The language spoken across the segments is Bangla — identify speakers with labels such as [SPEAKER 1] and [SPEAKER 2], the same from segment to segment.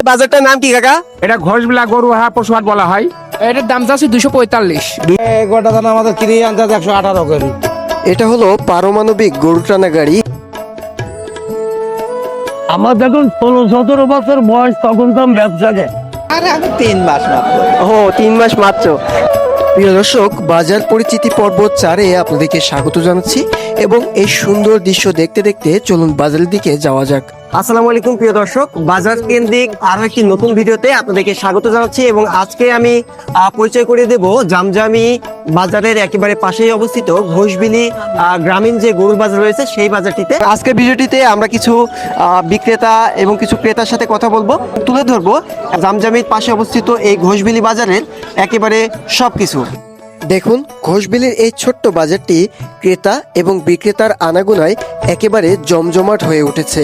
[SPEAKER 1] বাজারটার নাম কি কাকা?
[SPEAKER 2] এটা ঘোষবিলা গরুহাট পশুহাট বলা হয়।
[SPEAKER 3] এটার দাম চাচ্ছি 245।
[SPEAKER 4] গোটা দানা আমাদের কিনে আনতে 118 করে।
[SPEAKER 1] এটা হলো পারমাণবিক গরু টানা গাড়ি।
[SPEAKER 5] আমার যখন 16-17 বছর বয়স তখন তো আমি ব্যবসাকে
[SPEAKER 1] ও 3 মাস মাত্র। প্রিয় দর্শক, বাজার পরিচিতি পর্ব 4-এ আপনাদেরকে স্বাগত জানাচ্ছি এবং এই সুন্দর দৃশ্য দেখতে দেখতে চলুন বাজারের দিকে যাওয়া যাক। আসসালামু আলাইকুম প্রিয় দর্শক, বাজার কেন্দ্রিক আরো একটি নতুন ভিডিওতে আপনাদেরকে স্বাগত জানাচ্ছি এবং আজকে আমি পরিচয় করিয়ে দেব জামজামি বাজারের একেবারে পাশেই অবস্থিত ঘোষবিলি গ্রামীণ যে গরুর বাজার রয়েছে সেই বাজারটিতে। আজকের ভিডিওটিতে আমরা কিছু বিক্রেতা এবং কিছু ক্রেতার সাথে কথা বলবো, তুলে ধরবো জামজামির পাশে অবস্থিত এই ঘোষবিলি বাজারের একেবারে সবকিছু। দেখুন, ঘোষবিলির এই ছোট্ট বাজারটি ক্রেতা এবং বিক্রেতার আনাগোনায় একেবারে জমজমাট হয়ে উঠেছে।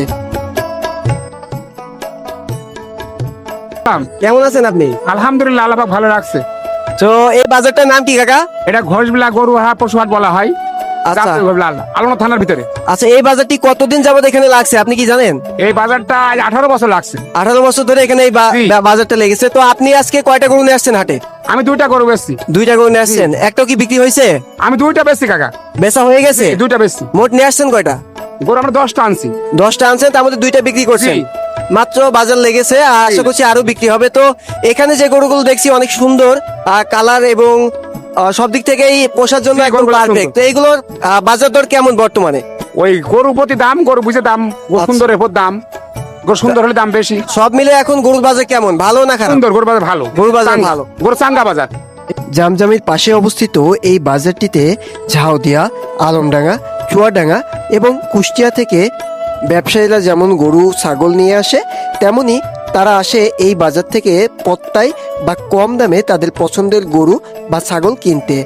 [SPEAKER 1] কেমন আছেন আপনি?
[SPEAKER 2] আলহামদুলিল্লাহ, আল্লাহ পাক ভালো রাখছে।
[SPEAKER 1] তো এই বাজারটার নাম কি কাকা?
[SPEAKER 2] এটা ঘোষবিলা গরুহাট পশুহাট বলা হয়।
[SPEAKER 1] আচ্ছা
[SPEAKER 2] আলোনা থানার ভিতরে।
[SPEAKER 1] আচ্ছা, এই বাজারটি কতদিন যাবত এখানে লাগছে আপনি কি জানেন?
[SPEAKER 2] এই বাজারটা আজ 18 বছর লাগছে।
[SPEAKER 1] 18 বছর ধরে এখানে এই
[SPEAKER 2] জি।
[SPEAKER 1] বাজারটা লেগেছে। তো আপনি আজকে কয়টা গরু নিয়ে আসছেন হাটে?
[SPEAKER 2] আমি 2টা গরু বেচছি।
[SPEAKER 1] 2টা গরু নিয়ে আসছেন, একটাও কি বিক্রি হয়েছে?
[SPEAKER 2] আমি 2টা বেচছি কাকা।
[SPEAKER 1] বেচা হয়ে গেছে?
[SPEAKER 2] 2টা বেচছি।
[SPEAKER 1] মোট নিয়ে আসছেন কয়টা?
[SPEAKER 2] গরু আমরা 10টা আনছি।
[SPEAKER 1] 10টা আনছেন, তার মধ্যে 2টা বিক্রি করছেন।
[SPEAKER 2] জি।
[SPEAKER 1] মাত্র বাজার লেগেছে, আর আশা করছি আরো বিক্রি হবে। তো এখানে যে গরুগুলো দেখছি অনেক সুন্দর কালার এবং সব দিক থেকেই পোষার জন্য
[SPEAKER 2] জি,
[SPEAKER 1] একদম
[SPEAKER 2] গরুগুলো
[SPEAKER 1] পারফেক্ট। তো এইগুলোর বাজার দর কেমন বর্তমানে?
[SPEAKER 2] ওই গরু প্রতি দাম, গরু বুঝে দাম, গরু
[SPEAKER 1] আচ্ছা।
[SPEAKER 2] সুন্দরের উপর দাম। গরু সুন্দর হলে দাম বেশি।
[SPEAKER 1] সব মিলে এখন গরুর বাজার কেমন, ভালো না খারাপ?
[SPEAKER 2] সুন্দর গরু বাজার ভালো।
[SPEAKER 1] গরু বাজার
[SPEAKER 2] চাঙ্গা।
[SPEAKER 1] ভালো।
[SPEAKER 2] গরু চাঙ্গা বাজার।
[SPEAKER 1] জামজামির পাশে অবস্থিত এই বাজারটিতে ঝাউদিয়া, আলমডাঙ্গা, চুয়াডাঙ্গা এবং কুষ্টিয়া থেকে ব্যবসায়ীরা যেমন গরু ছাগল নিয়ে আসে, তেমনি তারা আসে এই বাজার থেকে পত্তায় বা কম দামে তাদের পছন্দের গরু বা ছাগল কিনতে।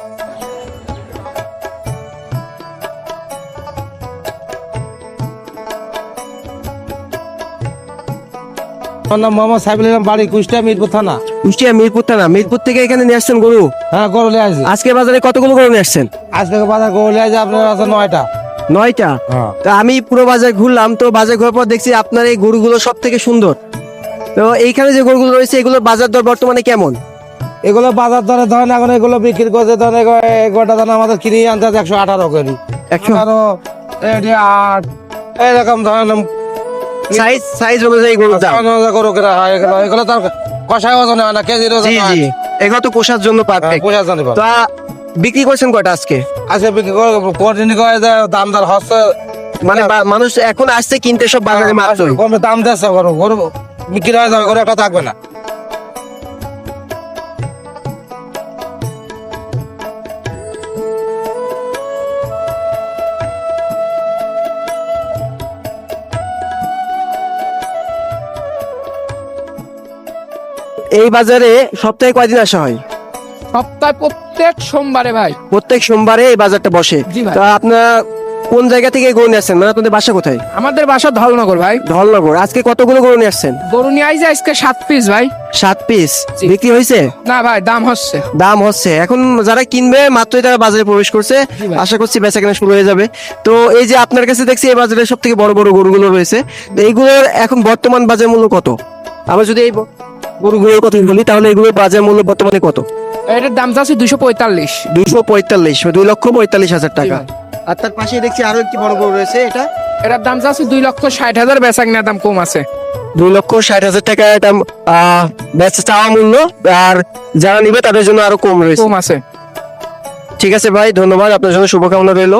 [SPEAKER 4] আমার নাম মোহাম্মদ সাইফুল ইসলাম, বাড়ি কুষ্টিয়া মিরপুর থানা।
[SPEAKER 1] কুষ্টিয়া মিরপুর থানা। মিরপুর থেকে এখানে নিয়ে আসছেন গরু?
[SPEAKER 4] হ্যাঁ, গরু নিয়ে আসছি।
[SPEAKER 1] আজকে বাজারে কতগুলো গরু নিয়ে আসছেন?
[SPEAKER 4] আজ থেকে বাজার গরু নিয়ে আসছি আপনার আছে 9টা।
[SPEAKER 1] 9টা?
[SPEAKER 4] হ্যাঁ।
[SPEAKER 1] তো আমি পুরো বাজার ঘুরলাম, তো বাজার ঘোরার পর দেখছি আপনার এই গরুগুলো সব থেকে সুন্দর। তো এইখানে যে গরুগুলো রয়েছে এগুলোর বাজার দর বর্তমানে কেমন?
[SPEAKER 4] এগুলো বাজার দরে ধরেন এখন এগুলো বিক্রি করতে ধরেন গোটা দানা আমাদের কিনে আনতে 118 করে।
[SPEAKER 1] 118?
[SPEAKER 4] 8 এরকম ধরেন
[SPEAKER 1] সাইজ অনুযায়ী গরুর দাম।
[SPEAKER 4] গরু কেনা হয়। এগুলো তার কষায় ওজনে হয় না, কেজির
[SPEAKER 1] জি
[SPEAKER 4] ওজনে
[SPEAKER 1] জি,
[SPEAKER 4] হয়।
[SPEAKER 1] এগুলো তো পোষার জন্য পারফেক্ট।
[SPEAKER 4] পয়সা জানি
[SPEAKER 1] তো বিক্রি করছেন কয়টা আজকে?
[SPEAKER 4] আজকে বিক্রি করে কোয়ার্টিনি করে দাম দর হচ্ছে,
[SPEAKER 1] মানে মানুষ এখন আসছে কিনতে সব বাজারে মাত্রই।
[SPEAKER 4] কমে দাম দিচ্ছে গরু। গরু বিক্রি হয়ে যাবে, গরু একটা থাকবে না।
[SPEAKER 1] এই বাজারে সপ্তাহে কয়দিন আসা হয়?
[SPEAKER 3] সপ্তাহে প্রত্যেক সোমবারে ভাই।
[SPEAKER 1] প্রত্যেক সোমবারে এই বাজারটা বসে।
[SPEAKER 3] জি ভাই।
[SPEAKER 1] তো আপনার কোন জায়গা থেকে গরু নিয়ে আসছেন, মানে আপনাদের বাসা কোথায়?
[SPEAKER 3] আমাদের বাসা ধলনগর ভাই।
[SPEAKER 1] ধলনগর। আজকে কতগুলো গরু নিয়ে আসছেন?
[SPEAKER 3] গরু নিয়ে আইছে আজকে 7 পিস ভাই।
[SPEAKER 1] 7 পিস
[SPEAKER 3] জি।
[SPEAKER 1] বিক্রি হয়েছে?
[SPEAKER 3] না ভাই, দাম হচ্ছে।
[SPEAKER 1] দাম হচ্ছে। এখন যারা কিনবে মাত্রই তারা বাজারে প্রবেশ করছে,
[SPEAKER 3] ভাই।
[SPEAKER 1] আশা করছি বেচা কেনা শুরু হয়ে যাবে। তো এই যে আপনার কাছে দেখছি এই বাজারে সব থেকে বড় বড় গরুগুলো রয়েছে, তো এইগুলোর এখন বর্তমান বাজার মূল্য কত? আমরা যদি এই গরুগুলোর কথা বলি তাহলে এগুলোর বাজার মূল্য বর্তমানে কত?
[SPEAKER 3] এটার দাম চাচ্ছি 245।
[SPEAKER 1] 245, 2,45,000 টাকা।
[SPEAKER 3] জি ভাই।
[SPEAKER 1] আর তার পাশে দেখছি আরো একটি বড় গরু রয়েছে, এটা
[SPEAKER 3] এটার দাম চাচ্ছি 2,60,000, বেচা কিনার দাম কম আছে।
[SPEAKER 1] 2,60,000 টাকা। এটা বেচা চাওয়া মূল্য, আর যারা নিবে তাদের জন্য আরো কম রয়েছে।
[SPEAKER 3] কম আছে।
[SPEAKER 1] ঠিক আছে ভাই, ধন্যবাদ, আপনার জন্য শুভকামনা রইলো।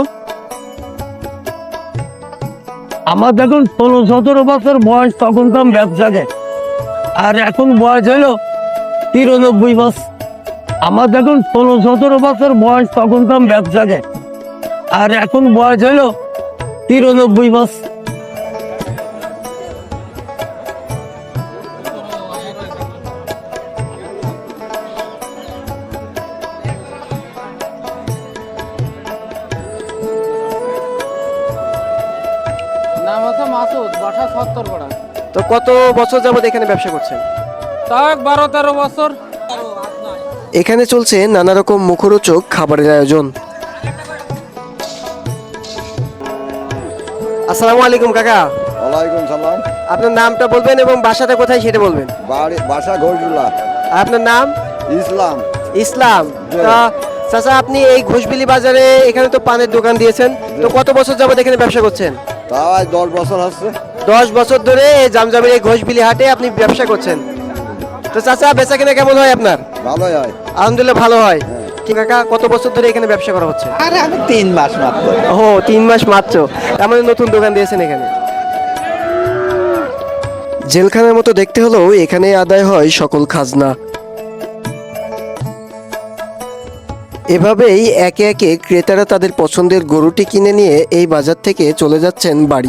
[SPEAKER 5] আমার যখন 16-17 বছর বয়স তখন তো আমি ব্যবসাকে, আর এখন বয়স হলো 93 বছর। আমার যখন 16-17 বছর বয়স তখন তো আমি ব্যবসাকে, আর এখন বয়স হলো 93 বছর।
[SPEAKER 3] নাম হচ্ছে মাসুদ, বাসা 70 পাড়া।
[SPEAKER 1] তো কত বছর যাবত এখানে ব্যবসা করছেন?
[SPEAKER 3] তাও 12-13 বছর।
[SPEAKER 1] এখানে চলছে নানা রকম মুখরোচক খাবারের আয়োজন। আসসালামু আলাইকুম কাকা।
[SPEAKER 6] ওয়ালাইকুম সালাম।
[SPEAKER 1] আপনার নামটা বলবেন এবং বাসাটা কোথায় সেটা বলবেন।
[SPEAKER 6] বাড়ি বাসা ঘোষগুলা
[SPEAKER 1] আর আপনার নাম?
[SPEAKER 6] ইসলাম।
[SPEAKER 1] ইসলাম। তা চাচা, আপনি এই ঘোষবিলি বাজারে এখানে তো পানের দোকান দিয়েছেন, তো কত বছর যাবত এখানে ব্যবসা করছেন?
[SPEAKER 6] তাও আজ 10 বছর হচ্ছে।
[SPEAKER 1] 10 বছর ধরে এই জামজামের এই ঘোষবিলি হাটে আপনি ব্যবসা করছেন। তো চাচা, বেচা কিনা কেমন হয় আপনার?
[SPEAKER 6] ভালোই হয়।
[SPEAKER 1] আলহামদুলিল্লাহ ভালো হয়। কি কাকা, কত বছর ধরে এখানে ব্যবসা করা হচ্ছে?
[SPEAKER 6] আরে আমি 3 মাস মাত্র।
[SPEAKER 1] ও, 3 মাস মাত্র। তার মানে নতুন দোকান দিয়েছেন এখানে। জেলখানার মতো দেখতে হলেও এখানে আদায় হয় সকল খাজনা। এভাবেই একে একে ক্রেতারা তাদের পছন্দের গরুটি কিনে নিয়ে এই বাজার থেকে চলে যাচ্ছেন বাড়ি।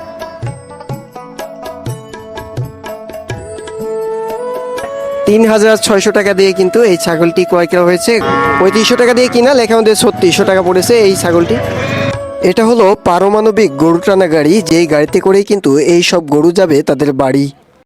[SPEAKER 1] 3600 টাকা দিয়ে কিন্তু এই ছাগলটি ক্রয় করা হয়েছে। 3500 টাকা দিয়ে কিনা, লেখা আমাদের 3600 টাকা পড়েছে এই ছাগলটি। এটা হলো পারমাণবিক গরু টানা গাড়ি, যেই গাড়িতে করেই কিন্তু এই সব গরু যাবে তাদের বাড়ি।